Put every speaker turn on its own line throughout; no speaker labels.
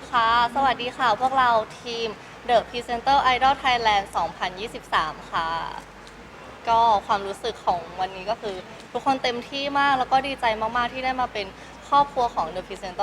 ค่ะสวัสดีค่ะพวกเราทีม The Presenter Idol Thailand 2023 ค่ะก็ความรู้สึกของวันนี้ก็คือทุกคนเต็มที่มากแล้วก็ดีใจมากๆที่ได้มาเป็นครอบครัวของ The Presenter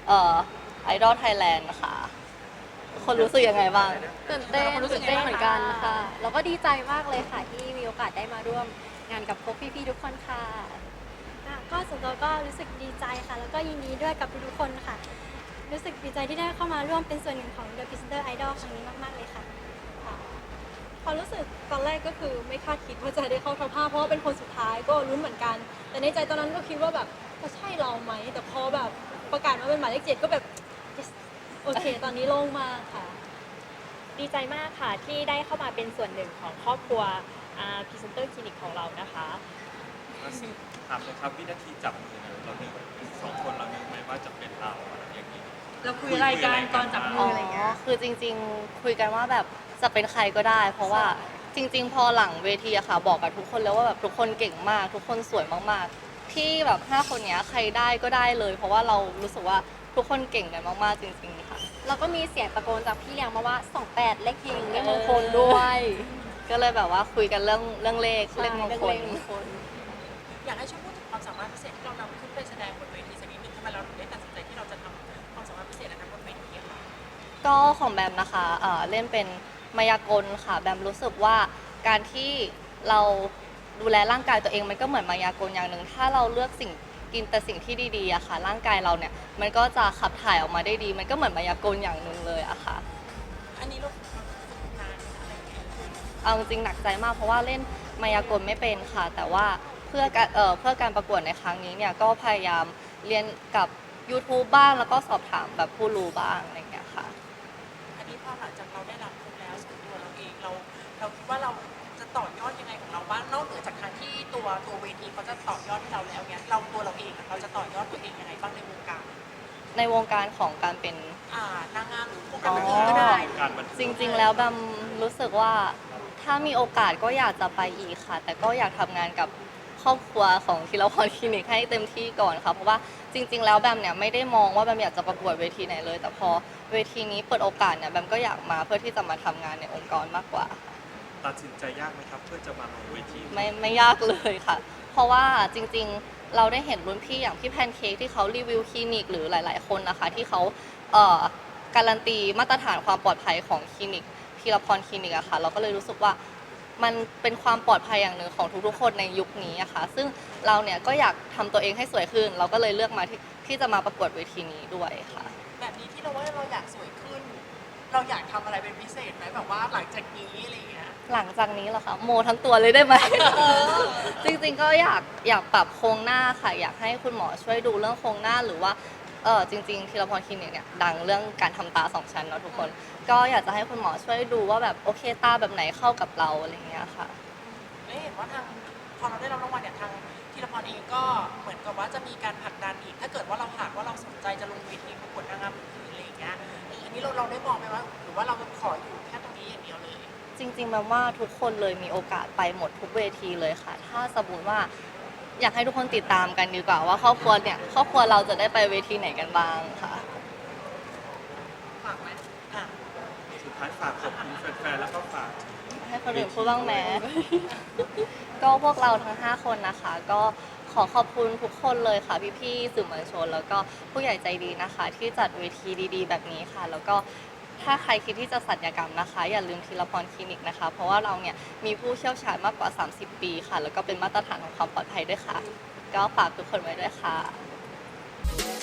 Idol Thailand นะคะทุกคนรู้สึกยังไงบ้าง
ตื่นเต้นเหมือนกันค่ะแล้วก็ดีใจมากเลยค่ะที่มีโอกาสได้มาร่วมงานกับพวกพี่ๆทุกคนค่ะ
ก็ส่วนตัวก็รู้สึกดีใจค่ะแล้วก็ยินดีด้วยกับทุกๆคนค่ะรู้สึกดีใจที่ได้เข้ามาร่วมเป็นส่วนหนึ่งของ The Presenter Idol ครั้งนี้มากๆเลยค่ะ
ความรู้สึกตอนแรกก็คือไม่คาดคิดว่าจะได้เข้าท็อป 5เพราะว่าเป็นคนสุดท้ายก็รุ้นเหมือนกันแต่ในใจตอนนั้นก็คิดว่าแบบจะใช่เราไหมแต่พอแบบประกาศมาเป็นหมายเลข7ก็แบบ yes โอเคตอนนี้โล่งมากค่ะ
ดีใจมากค่ะที่ได้เข้ามาเป็นส่วนหนึ่งของครอบครัวพรีเซนเตอร์คลินิกของเรานะคะ
ถามเลยครับวินาทีจับมือเรานึกสองคนเรานึกไหมว่าจะเป็นเราอะไรอย่างนี้
เราคุยรายการตอนจับมืออะไรเงี้ย
คือจริงๆคุยกันว่าแบบจะเป็นใครก็ได้ เพราะว่าจริงๆพอหลังเวทีอะค่ะบอกกับทุกคนแล้วว่าแบบทุกคนเก่งมากทุกคนสวยมากๆที่แบบ5คนนี้ใครได้ก็ได้เลย เพราะว่าเรารู้สึกว่าทุกคนเก่งกันมากๆจริงๆค่ะ
แล้วก็มีเสียงตะโกนจากพี่เลี้ยงมาว่า28เลขเฮงเลขมงคลด้วย
ก็เลยแบบว่าคุยกันเรื่องเลขเลขมงคล
อยากให้ช่วยพูดถึงความสามารถพิเศษที่เรานำขึ้นไปแสดงบนเวทีสักนิดนึงทำไมเราถึงได้ตัดสินใจที่เราจะทำความสามารถพิเศษนั้นบนเวทีค่ะ
ก็ของแบมนะคะเล่นเป็นมายากลค่ะแบมรู้สึกว่าการที่เราดูแลร่างกายตัวเองมันก็เหมือนมายากลอย่างหนึ่งถ้าเราเลือกสิ่งกินแต่สิ่งที่ดีๆอะค่ะร่างกายเราเนี่ยมันก็จะขับถ่ายออกมาได้ดี มันก็เหมือนมายากลอย่างหนึ่งเลยอะค่ะ
อันนี้เราฝึกนานอะไรอย่างเงี้ย
เอาจริงหนักใจมากเพราะว่าเล่นมายากลไม่เป็นค่ะแต่ว่าเพื่อการประกวดในครั้งนี้เนี่ยก็พยายามเรียนกับ YouTube บ้างแล้วก็สอบถามแบบผู้รู้บ้างอะไรอย่างเงี้ยค่ะ
อันนี้พอหลังจากเราได้รับทุนแล้วส่วนตัวเราเองเราคิดว่าเราจะต่อยอดยังไงของเราบ้างนอกเหนือจากทางที่ตัวเวทีเขาจะต่อยอดให้เราแล้วเนี่ยเราเองเราจะต่อยอดตัวเองยังไงบ้างในวงการ
ในวงการของการเป็น
นางงามหรือวงการบันเทิงก็ได้
จริงๆแล้วแบมรู้สึกว่าถ้ามีโอกาสก็อยากจะไปอีกค่ะ แต่ก็อยากทำงานกับครอบครัวของธีรพรคลินิกให้เต็มที่ก่อนค่ะเพราะว่าจริงๆแล้วแบมเนี่ยไม่ได้มองว่าแบมอยากจะประกวดเวทีไหนเลย แต่พอเวทีนี้เปิดโอกาสเนี่ยแบมก็อยากมาเพื่อที่จะมาทำงานในองค์กรมากกว่า
ตัดสินใจยากไหมครับเพื่อจะมาลงเวที
ไม่ยากเลยค่ะ เพราะว่าจริงๆเราได้เห็นรุ่นพี่อย่างพี่แพนเค้กที่เขารีวิวคลินิกหรือหลายๆคนนะคะที่เขาการันตีมาตรฐานความปลอดภัยของคลินิกธีรพรคลินิกอะค่ะเราก็เลยรู้สึกว่ามันเป็นความปลอดภัยอย่างหนึ่งของทุกๆคนในยุคนี้อะค่ะซึ่งเราเนี่ยก็อยากทำตัวเองให้สวยขึ้น เราก็เลยเลือกมาที่จะมาประกวดเวทีนี้ด้วยค่ะ
แบบนี้ที่เราว่าเราอยากสวยขึ้น เราอยากทำอะไรเป็นพิเศษไหมแบบว่าหลังจากนี้อะไรอย่างเงี้ย
หลังจากนี้เหรอคะโมทั้งตัวเลยได้ไหม จริงๆก็อยากปรับโครงหน้าค่ะอยากให้คุณหมอช่วยดูเรื่องโครงหน้าหรือว่าจริงๆธีรพรคลินิกเนี่ยดังเรื่องการทำตา2 ชั้นเนาะทุกคนก็อยากจะให้คุณหมอช่วยดูว่าแบบโอเคตาแบบไหนเข้ากับเราอะไรอย่างเงี้ยค่ะ
และเห็นว่าทางพอเราได้รับรางวัลเนี่ยทางธีรพรเองก็เหมือนกับว่าจะมีการผลักดันอีกถ้าเกิดว่าเราหากว่าเราสนใจจะลงเวทีประกวดนางงามอื่นๆอะไรอย่างเงี้ยอันนี้เราได้มองไหมว่าหรือว่าเราขออยู่แค่ตรงนี้อย่างเดียวเลย
จริงๆแบบว่าทุกคนเลยมีโอกาสไปหมดทุกเวทีเลยค่ะถ้าสมมติว่าอยากให้ทุกคนติดตามกันดีกว่าว่าครอบครัวเราจะได้ไปเวทีไหนกันบ้างค่ะ
ฝากไหม
สุดท้ายฝากขอบคุณแฟนๆแล้วก็ฝาก
ให้คนอื่นพูดบ้างแม้ ก็พวกเราทั้ง5คนนะคะ ก็ขอขอบคุณทุกคนเลยค่ะพี่ๆสื่อมวลชน แล้วก็ผู้ใหญ่ใจดีนะคะ ที่จัดเวทีดีๆแบบนี้ค่ะ แล้วก็ถ้าใครคิดที่จะศัลยกรรมนะคะ อย่าลืมธีรพรคลินิกนะคะ เพราะว่าเราเนี่ยมีผู้เชี่ยวชาญมากกว่า30 ปีค่ะ แล้วก็เป็นมาตรฐานของความปลอดภัยด้วยค่ะ ก็ฝากทุกคนไว้ด้วยค่ะ